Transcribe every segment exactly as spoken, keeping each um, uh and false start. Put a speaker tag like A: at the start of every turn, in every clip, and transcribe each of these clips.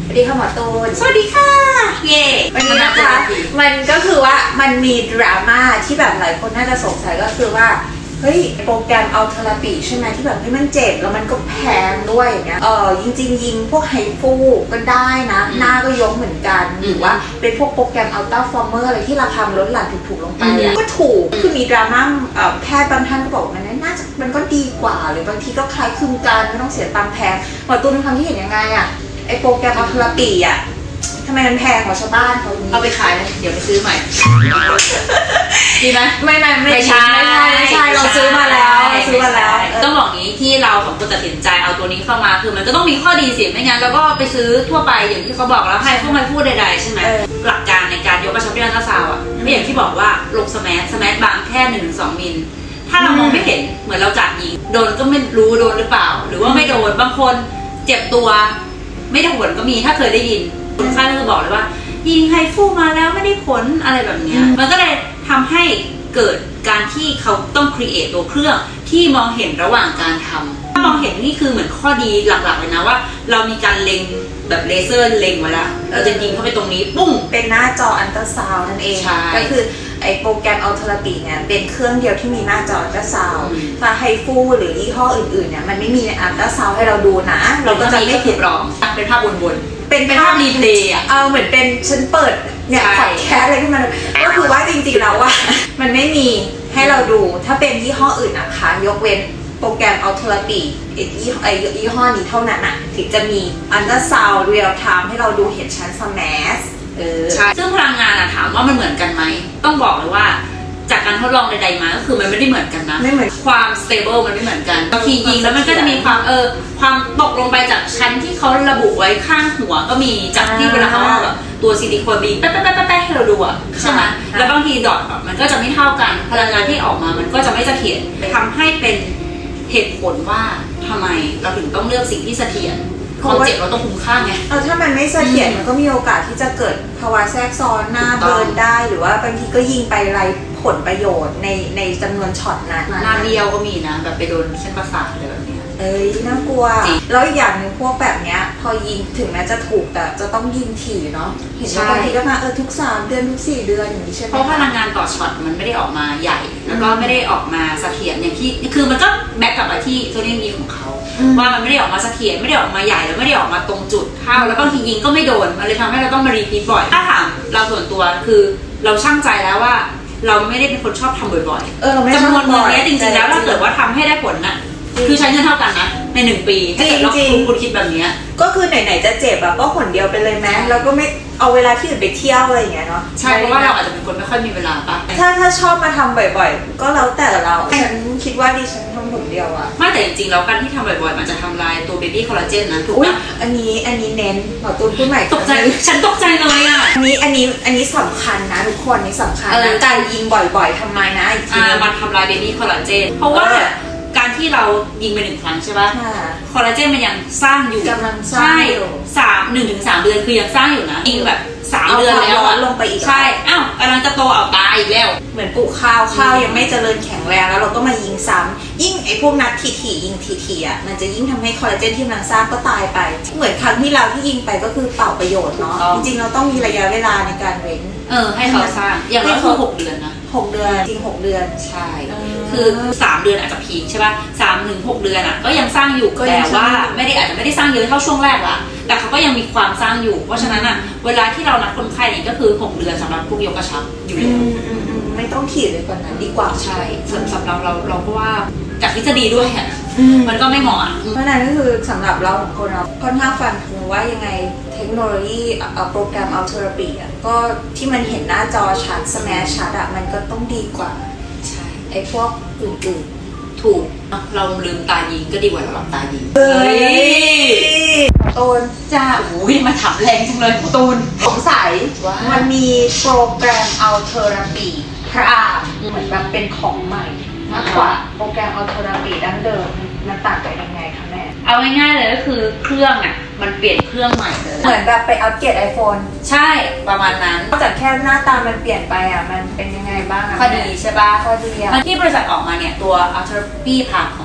A: สวัสดีค่ะหมอตูน
B: สวัสดีค่ะเย่
A: วันนี้นะคะมันก็คือว่ามันมีดราม่าที่แบบหลายคนน่าจะสงสัยก็คือว่าเฮ้ยโปรแกรมอัลเทอราปีใช่ไหมที่แบบให้มันเจ็บแล้วมันก็แพงด้วยอย่างเงี้ยเออจริงๆยิงพวกไฮฟูก็ได้นะหน้าก็ยกเหมือนกันหรือว่าเป็นพวกโปรแกรมอัลต้าฟอร์เมอร์อะไรที่ราคาลดหลั่นถูกๆลงไปก็ถูกคือมีดราม่าแพทย์บางท่านก็บอกมันน่าจะมันก็ดีกว่าหรือบางทีก็คล้ายคลึงกันไม่ต้องเสียตังค์แพงหมอตูนมีความคิดเห็นยังไงอะไอโปรแกรมอัลเทอราปีอะทำไมมันแพงกว่าชาวบ้านเขา
B: เอาไปขายเลยเดี๋ยวไปซื้อใหม่ดีไหม
A: ไม่ไม่ไม่ใช่ไม่ใช่เราซื้อมาแล้วซื้อมาแล้ว
B: ต้องบอกงี้ที่เราของคนตัดสินใจเอาตัวนี้เข้ามาคือมันก็ต้องมีข้อดีสิไม่งั้นเราก็ไปซื้อทั่วไปอย่างที่เขาบอกแล้วให้พวกมันพูดใดๆใช่ไหมหลักการในการยกกระชับที่อัลตราซาวด์อ่ะไม่อย่างที่บอกว่าลงสแมสสแมสบางแค่หนึ่งถึงสองมิลถ้าเรามองไม่เห็นเหมือนเราจับยิงโดนก็ไม่รู้โดนหรือเปล่าหรือว่าไม่โดนบางคนเจ็บตัวไม่ได้ผลก็มีถ้าเคยได้ยินคนไข้ก็จะบอกเลยว่ายิงไฮฟูมาแล้วไม่ได้ผลอะไรแบบนี้มันก็เลยทำให้เกิดการที่เขาต้องครีเอทตัวเครื่องที่มองเห็นระหว่างการทำถ้ามองเห็นนี่คือเหมือนข้อดีหลักๆเลยนะว่าเรามีการเล็งแบบเลเซอร์เล็งไว้แล้วเราจะยิงเข้าไปตรงนี้ปุ้ง
A: เป็นหน้าจออัลตราซาวน์นั่นเองก็คือไอโปรแกรมอัลเทอราปีเนี่ยเป็นเครื่องเดียวที่มีหน้าจออัลตราซาวน์ถ้าไฮฟูหรือยี่ห้ออื่นๆเนี่ยมันไม่มีในอัลตราซาวน์ให้เราดูนะเราก็จะไม่ผิดหรอก
B: เป็นภาพวน
A: ๆเป็น
B: ภาพรีเพลย์อ่ะ
A: เออเหมือนเป็นฉันเปิดเนี่ยพอดแคสอะไรขึ้นมาก็คือว่าจริงๆแล้วว่ามันไม่มีให้เราดูถ้าเป็นยี่ห้ออื่นนะคะยกเว้นโปรแกรมอัลเทอราปีไอยี่ห้อนี้เท่านั้นอ่ะถึงจะมีอัลตราซาวด์เรียลไทม์ให้เราดูเห็นชั้นสแมส
B: ใช่ซึ่งพลังงานอะถามว่ามันเหมือนกันไหมต้องบอกเลยว่าจากการทดลองใดๆมาก็คือมันไม่ได้เหมือนกันนะ
A: ไม่เหมือน
B: ความ stable มันไม่เหมือนกันบางทียิงแล้วมันก็จะมีความเออความตกลงไปจากชั้นที่เขาระบุไว้ข้างหัวก็มีจากที่เวลาเขาเอาแบบตัวซิลิโคนบีแป๊ะแป๊ะแป๊ะแป๊ะให้เราดูอะใช่ไหมแล้วบางทีดอทมันก็จะไม่เท่ากันพลังงานที่ออกมามันก็จะไม่เสถียรทำให้เป็นเหตุผลว่าทำไมเราถึงต้องเลือกสิ่งที่เสถียรความเจ็บเราต้องคุ้มค่าไง
A: เออถ้ามันไม่เสถียรมันก็มีโอกาสที่จะเกิดภาวะแทรกซ้อนหน้าเบิร์นได้หรือว่าบางทีก็ยิงไปไรผลประโยชน์ในในจำนวนช็อตนั้น
B: หน้าเดียวก็มีนะแบบไปโดนเส้นประสาทอะไรแบบนี้
A: เอ้ยน่ากลัวแล้วอีกอย่างหนึ่งพวกแบบเนี้ยพอยิงถึงแม้จะถูกแต่จะต้องยิงถี่เนาะเห็นว่าบางทีก็มาเออทุกสามเดือนทุกสี่เดือนอย่างนี้ใช่ไหม
B: เพราะพลังงานต่อช็อตมันไม่ได้ออกมาใหญ่แล้วก็ไม่ได้ออกมาเสถียรอย่างที่คือมันก็แบ็กกลับมาที่ตัวนี้มีของเขาว่ามันไม่ได้ออกมาเสถียรไม่ได้ออกมาใหญ่แล้วไม่ได้ออกมาตรงจุดเท่าแล้วบางทียิงก็ไม่โดนมันเลยทำให้เราต้องมารีพีทบ่อยถ้าถามเราส่วนตัวคือเราช่างใจแล้วว่าเราไม่ได้เป็นคนชอบทำบ่อยๆจำนวนเงินนี้จริงๆแล้วถ้าเกิดว่าทำให้ได้ผลน่ะคือใช้เงินเท่ากันนะในหนึ่งปีถ้าเกิดเราคุณคิดแบบนี้
A: ก็คือไหนๆจะเจ็บแบบก็หนเดียวไปเลยไหมเราก็ไม่เอาเวลาที่อื่นไปเที่ยวอะไรอย่างเงี้ยเนาะ
B: ใช่เพราะว่าเราอาจจะเป็นคนไม่ค่อยมีเวลาปะ
A: ถ้าถ้าชอบมาทำบ่อยๆก็แล้วแต่เราฉันคิดว่าดิฉันทำหนเดียวอะ
B: ไม่แต่จริงๆแล้วการที่ทำบ่อยๆมันจะทำลายตัวเบบี้คอลลาเจนนะถูก
A: ปะอันนี้อันนี้เน้นหมอตูนพูดใหม่
B: ตกใจฉันตกใจเลยอ่ะ
A: อันนี้อันนี้อันนี้สำคัญนะทุกคนนี่สำคัญนะการยิงบ่อยๆทำไมนะอีกที
B: มันทำลายเบบี้คอลลาเจนเพราะว่าการที่เรายิงไปหนึ่งครั้งใช่ป่ะคอลลาเจนมันยังสร้างอยู่
A: กำลังสร้างอยู่
B: สามหนึ่งถึงสามเดือนคือยังสร้างอยู่นะยิงแบบสามเดือนแล้ว
A: ลงไปอีก
B: ใช่อ้าวกำลังจะโตเอาตายอีกแล้ว
A: เหมือนปลูกข้าวข้าวยังไม่เจริญแข็งแรงแล้วเราก็มายิงซ้ำยิ่งไอ้พวกนัดถี่ๆยิงถี่ๆอ่ะมันจะยิ่งทำให้คอลลาเจนที่มันสร้างก็ตายไปเหมือนครั้งที่เราที่ยิงไปก็คือเปล่าประโยชน์เนาะจริงๆเราต้องมีระยะเวลาในการเว้น
B: เออให้เขาสร้างอย่างน้อยคือหกเดือนนะ
A: หกเดือนจริงหกเดือน
B: ใช่คือสามเดือนอาจจะพีคใช่ป่ะสามถึงหกเดือนอ่ะก็ยังสร้างอยู่แต่ว่าไม่ได้อาจจะไม่ได้สร้างเยอะเท่าช่วงแรกละแต่เขาก็ยังมีความสร้างอยู่เพราะฉะนั้นอ่ะเวลาที่เรานัดคนไข้เนี่ยก็คือหกเดือนสำหรับพวกยกกระชับอยู่แล้ว
A: ไม่ต้องขีดเลยกว่านั้นดีกว่า
B: ใช่สำหรับเราเราก็ว่าจากทฤษฎีด้วยอ่ะมันก็ไม่เหมาะ
A: เพราะนั้นก็คือสำหรับเราของคนเราค่อนข้างฟันธงว่ายังไงเทคโนโลยีโปรแกรมอัลเทอราปีอ่ะก็ที่มันเห็นหน้าจอชัดสแมชชัดอ่ะมันก็ต้องดีกว่า
B: ใช่
A: ไอ้พวกอื่น
B: ๆถูกเราลืมตายิงก็ดีกว่าเราหลับตายิง
A: เฮ้ยตูน
B: จ้าโอ้ยมาถามแรงจังเลยตูน
A: สงสัยว่ามันมีโปรแกรมอัลเทอราปีพรามเหมือนแบบเป็นของใหม่มากกว่าโปรแกรมอัลเทอราปีดั้งเดิมมันต่างกันยังไงคะแม่
B: เอาง่ายๆเลยก็คือเครื่องอ่ะมันเปลี่ยนเครื่องใหม่เลย
A: เหมือนแบบไปอัปเกรด ไอโฟน
B: ใช่ประมาณนั้น
A: นอกจากแค่หน้าตามันเปลี่ยนไปอ่ะมันเป็นยังไงบ้างอ่ะ
B: ข้อดีใช่ป่ะ
A: ข้อดีอ่ะ
B: ที่บริษัทออกมาเนี่ยตัว Ultra P พาเข้ามา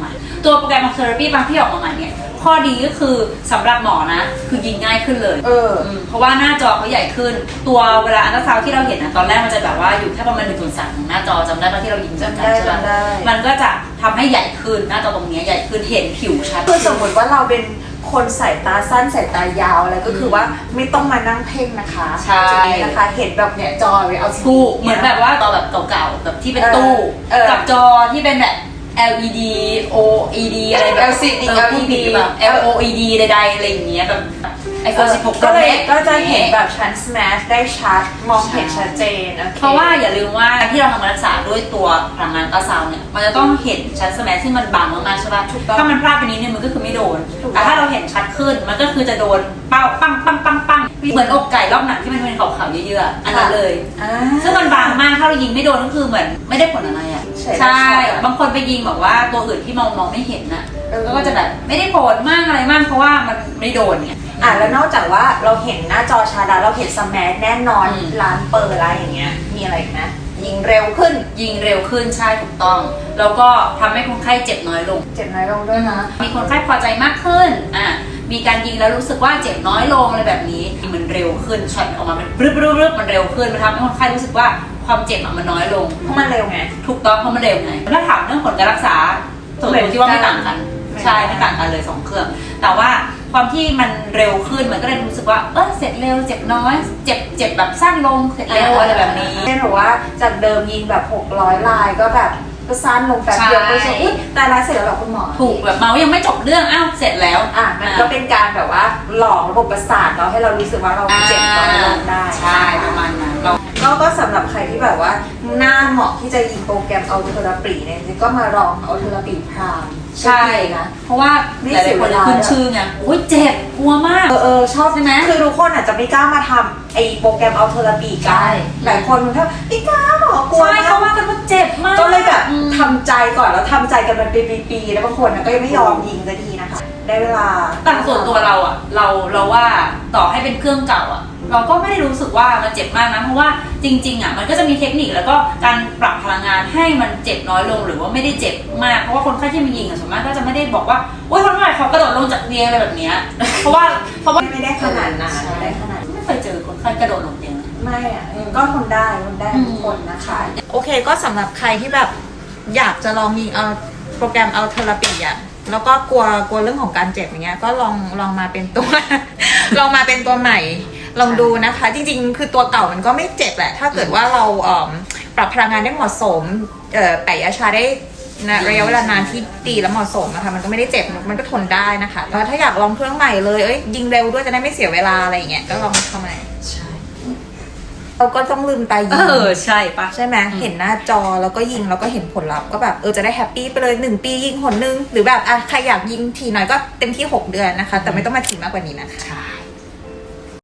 B: ตัวโปรแกรม Therapy บางที่ออกมาใหม่เนี่ยข้อดีก็คือสำหรับหมอนะคือยิงง่ายขึ้นเลย
A: เออ
B: มเพราะว่าหน้าจอเขาใหญ่ขึ้น ตัวเวลาอัลตราซาวด์ที่เราเห็นนะตอนแรกมันจะแบบว่าอยู่แค่ประมาณหนึ่งส่วนสามของหน้าจอจำได้ปะที่เรายิงจำได้ใช่ปะมันก็จะทำให้ใหญ่ขึ้นหน้าจอตรงนี้ใหญ่ขึ้นเห็นผิวชัด
A: คือสมมติว่าเราเป็นคนสายตาสั้นสายตายาวอะไรก็คือว่าไม่ต้องมานั่งเพ่งนะคะ
B: ใช่
A: จุดนี้นะคะ เห็นแบบเนี่ยจอเลยเอา
B: ถูกเหมือนแบบว่าจอแบบเก่าๆแบบที่เป็นตู้
A: เออ
B: กับจอที่เป็นแบบ แอล อี ดี โอ อี ดี อะไรแบบ
A: แอล ซี ดี
B: เออพูดผิดหรือเปล่า แอล โอ อี ดี ใดๆอะไรอย่างเงี้ยแบบไอโฟนสิบหก
A: ก็เลย
B: Pro Max
A: ก็จะเห็นแบบชั้น smash ได้ชัดมองเห็นชัดเจนโอเค
B: เพราะว่าอย่าลืมว่าที่เราทำการรักษาด้วยตัวพลังงานอัลตราซาวน์เนี่ยมันจะต้องเห็นชั้นสแมทซึ่งมันบางมากๆใช่ป่ะ
A: ถูกต้อง
B: ถ้ามันพลาดไปนิดนึงมันก็คือไม่โดน
A: ถูกต้อง
B: แต่ถ้าเราเห็นชัดขึ้นมันก็คือจะโดนเป้าปังปังปังปังเหมือนอกไก่รอบหนังที่มันเป็นขาวๆเยอะๆอันนั้นเลย
A: อ่า
B: ซึ่งมันบางมากถ้าเรายิงไม่โดนก็คือเหมือนไม่ได้ผลอะไรอ่ะ
A: ใช่
B: ใช่
A: ใช่
B: บางคนไปยิงแบบว่าตัวอื่นที่มองมองไม่เห็นน่ะ
A: เออ
B: แล้วก็จะแบบไม่ได้ผลมากอะไรมากเพราะว่ามันไม่โดนเนี่ย
A: อ่ะแล้วนอกจากว่าเราเห็นหน้าจอชาดาเราเห็นสแมชแน่นอน
B: อืม
A: ร้านเปิดอะไรอย่างเงี้ยมีอะไรอีกไหมยิงเร็วขึ้น
B: ยิงเร็วขึ้นใช่ถูกต้อง แล้วก็ทำให้คนไข้เจ็บน้อยลง
A: เจ็บน้อยลงด้วยนะ
B: มีคนไข้พอใจมากขึ้น อ่ะ มีการยิงแล้วรู้สึกว่าเจ็บน้อยลงอะไรแบบนี้ มันเร็วขึ้นช็อตออกมาเป็นรึบรึบรึบมันเร็วขึ้น มันทำให้คนไข้รู้สึกว่าความเจ็บอะมันน้อยลง
A: เพราะมันเร็วไง
B: ถูกต้องเพราะมันเร็วไง ถ้าถามเรื่องผลการรักษาส่วนตัวที่ว่าไม่ต่างกัน
A: ไม่
B: ใช่
A: ต่างกัน
B: ไม่ต่างกันเลยสองเครื่อง แต่ว่าความที่มันเร็วขึ้นมันก็เลยรู้สึกว่า เออเสร็จเร็ว เจ็บน้อย เจ็บเจ็บแบบสั้นลง เสร็จเร็วอะไรแบบนี้
A: เช่นแบบว่าจากเดิมยิงแบบหกร้อยลายก็แบบก็สั้นลงแป๊บเดียว
B: ใช่
A: ก็จะอุ้ยแต่ละเสร็จแล้วเหรอคุณหมอ
B: ถูกแบบเมาส์ยังไม่จบเรื่อง อ้าว เสร็จแล้ว
A: อ่ะมันก็เป็นการแบบว่าหลอกระบบประสาทเราให้เรารู้สึกว่าเราเจ็บน้อยลงได้
B: ใช่ประมาณนั้นเรา
A: ก็ก็สำหรับใครที่แบบว่าหน้าเหมาะที่จะยิงโปรแกรมเอาเทอราปีเนี่ยจริงๆก็มาลองเอาเทอราปีพราม
B: ใช่
A: นะ
B: เพราะว่า
A: ไม่
B: หลาย
A: เสีย
B: ๆค
A: เวน ลา
B: ขึ้นชื่อไงโอ้ยเจ็บกลัวมาก
A: เออเออชอบ
B: ใช่ไหม
A: คือทุกคนอาจจะไม่กล้ามาทำไอ้โปรแกรมเอาเทอราปีกั
B: ใช่
A: นหลายคนมันแค่ไม่กล้าหรอกลัว
B: ใช่
A: มาก
B: เขาว่ากันว่าเจ็บมาก
A: ก็เลยแบบ
B: อืม
A: ทำใจก่อนแล้วทำใจกันมันเป็นปีๆแล้วบางคนน่ะก็ยังไม่ยอมยิงสักทีนะคะ ได้เวลา
B: แต่ส่วนตัวเราอะเราเราว่าต่อให้เป็นเครื่องเก่าอะเราก็ไม่ได้รู้สึกว่ามันเจ็บมากนะเพราะว่าจริงๆอะมันก็จะมีเทคนิคแล้วก็การปรับพลังงานให้มันเจ็บน้อยลงหรือว่าไม่ได้เจ็บมากเพราะว่าคนไข้ที่มายิงอะส่วนมากก็จะไม่ได้บอกว่าโอ๊ยคนไข้เขากระโดดลงจากเตียงอะไรแบบเนี้ยเพราะว่าเพราะว่า
A: ไม่ได้ขนาดนั้น
B: ใช่
A: ไม่ได้ขนาด
B: ไม่เคยเจอคนไข้กระโดดลงเตียงนะ
A: ไม่อ่ะก็ทนได้ทนได้ทุกคนนะคะ โอเคก็สำหรับใครที่แบบอยากจะลองยิงเอาโปรแกรมเอาเทอราปีอ่ะแล้วก็กลัวกลัวเรื่องของการเจ็บอย่างเงี้ยก็ลองลองมาเป็นตัว ลองมาเป็นตัวใหม่ ลองดูนะคะ จริงๆ คือตัวเก่ามันก็ไม่เจ็บแหละ ถ้าเกิดว่าเราเอิ่มปรับพลังงานได้เหมาะสมเอ่อแปะยาชาได้นะระยะเวลานานที่ดีและเหมาะสมนะคะมันก็ไม่ได้เจ็บมันก็ทนได้นะคะแต่ถ้าอยากลองเครื่องใหม่เลยเอ้ยยิงเร็วด้วยจะได้ไม่เสียเวลาอะไรอย่างเงี้ยก็ลองเข้ามา
B: ใช่
A: เราก็ต้องลืมตายิ
B: เอง อใช่ปะ
A: ใช่ไหมเห็นหน้าจอแล้วก็ยิงแล้วก็เห็นผลลัพธ์ก็แบบเออจะได้แฮปปี้ไปเลยหนึ่งปียิงหนนึงหรือแบบอ่ะใครอยากยิงทีหน่อยก็เต็มที่หกเดือนนะคะ แต่ไม่ต้องมาทีมากกว่านี้นะคะ
B: ใช่